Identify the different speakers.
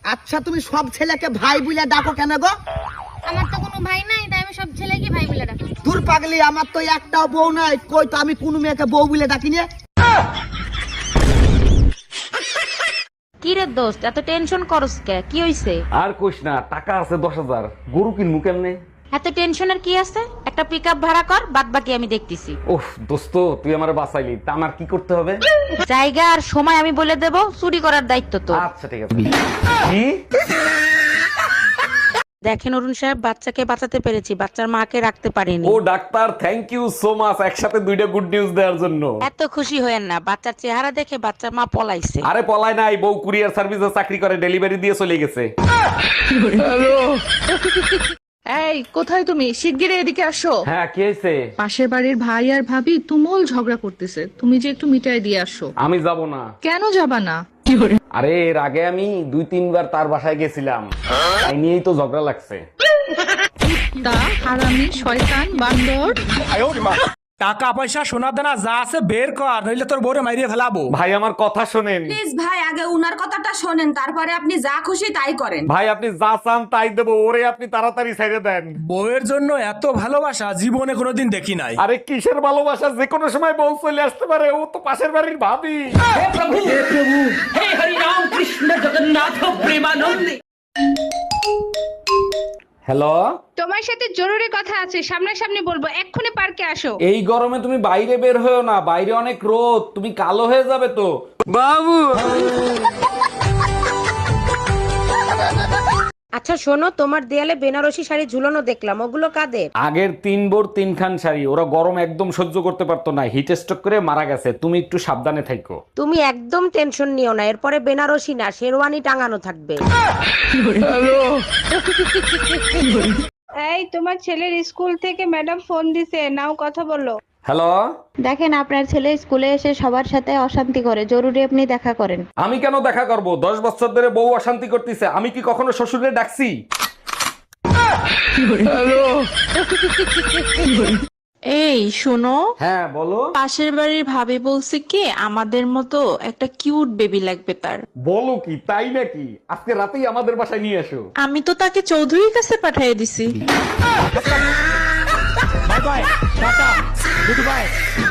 Speaker 1: আচ্ছা তুমি সব ছেলেকে ভাই বলে ডাকো কেন গো?
Speaker 2: আমার তো কোনো ভাই নাই, তাই আমি সব ছেলেকে ভাই বলে ডাকি।
Speaker 1: দূর পাগলি, আমার তো একটাও বউ নাই, কই তো আমি কোনো মেয়েকে বউ বলে ডাকিনি।
Speaker 3: কি রে দোস্ত, এত টেনশন করস কে? কি হইছে?
Speaker 4: আর কইস না, টাকা আছে 10,000, গরু কিনবো কেমনে?
Speaker 3: এত টেনশনের কি আছে? একটা পিকআপ ভাড়া কর, বাদ বাকি আমি দেখতেছি।
Speaker 4: ওহ দোস্ত, তুই আমার বাঁচাইলি, তা আমার কি করতে হবে?
Speaker 3: জায়গা আর সময় আমি বলে দেব, চুরি করার দায়িত্ব তো।
Speaker 4: আচ্ছা ঠিক আছে। কি?
Speaker 3: দেখেন অরুণ সাহেব, বাচ্চাকে বাঁচাতে পেরেছি, বাচ্চার মাকে রাখতে পারিনি।
Speaker 4: ও doctor, thank you so much, একসাথে দুইটা গুড নিউজ দেওয়ার জন্য।
Speaker 3: এত খুশি হয়েন না, বাচ্চার চেহারা দেখে বাচ্চার মা পলাইছে।
Speaker 4: আরে পলায় নাই, বউ কুরিয়ার সার্ভিসে চাকরি করে, ডেলিভারি দিয়ে চলে গেছে।
Speaker 5: এই কোথায় তুমি? শিগগিরই এদিকে আসো।
Speaker 4: হ্যাঁ কি হয়েছে?
Speaker 5: পাশের বাড়ির ভাই আর ভাবি তুমুল ঝগড়া করতেছে, তুমি যে একটু মিটাই দিয়ে আসো।
Speaker 4: আমি যাব না।
Speaker 5: কেন যাবা না?
Speaker 4: আরে এর আগে আমি 2-3 বার তার বাসায় গেছিলাম, তাই নিয়েই তো ঝগড়া লাগছে।
Speaker 5: তা হারামি শয়তান বান্দর।
Speaker 6: টাকা পয়সা সোনা দানা যা আছে বের কর, নইলে তোর বউরে মাইরিয়ে ফেলাবো।
Speaker 4: ভাই আমার কথা শোনেন।
Speaker 7: প্লিজ ভাই, আগে উনার কথাটা শোনেন, তারপরে আপনি যা খুশি তাই করেন।
Speaker 4: ভাই আপনি যা চান তাই দেবো, ওরে আপনি তাড়াতাড়ি ছেড়ে দেন।
Speaker 6: বউয়ের জন্য এত ভালোবাসা জীবনে কোনোদিন দেখি নাই।
Speaker 4: আরে কিসের ভালোবাসা, যে কোনো সময় বউ চলে আসতে পারে, ও তো পাশের বাড়ির ভাবি। হ্যালো,
Speaker 8: তোমার সাথে জরুরি কথা আছে, সামনাসামনি বলবো, এক্ষুনি পার্কে আসো।
Speaker 4: এই গরমে তুমি বাইরে বের হয়েও না, বাইরে অনেক রোদ, তুমি কালো হয়ে যাবে তো।
Speaker 3: আচ্ছা শোনো, তোমার দেয়ালে বেনারসি শাড়ি ঝুলানো দেখলাম, ওগুলো কাদের?
Speaker 4: আগের 3 বোর 3 খান শাড়ি, ওরা গরম একদম সহ্য করতে পারতো না, হিট স্ট্রোক করে মারা গেছে, তুমি একটু সাবধানে থাকো।
Speaker 3: তুমি একদম টেনশন নিও না, এরপরে বেনারসি না শেরওয়ানি টাঙানো থাকবে।
Speaker 8: এই তোমার ছেলের স্কুল থেকে ম্যাডাম ফোন দিছে, নাও কথা বলো।
Speaker 4: হ্যালো,
Speaker 9: দেখেন আপনার ছেলে স্কুলে এসে সবার সাথে অশান্তি করে, জরুরি আপনি দেখা করেন।
Speaker 4: আমি কেন দেখা করব? 10 বছর ধরে বউ অশান্তি করতেছে, আমি কি কখনো শ্বশুরে ডাকছি?
Speaker 5: এই শোনো,
Speaker 4: হ্যাঁ বলো।
Speaker 5: পাশের বাড়ির ভাবি বলছে কি আমাদের মতো একটা কিউট বেবি লাগবে তার।
Speaker 4: বলো কি, তাই নাকি? আজকে রাতেই আমাদের বাসায় নিয়ে এসো।
Speaker 5: আমি তো তাকে চৌধুরীর কাছে পাঠিয়ে দিছি।
Speaker 6: Bye bye, tata, good bye.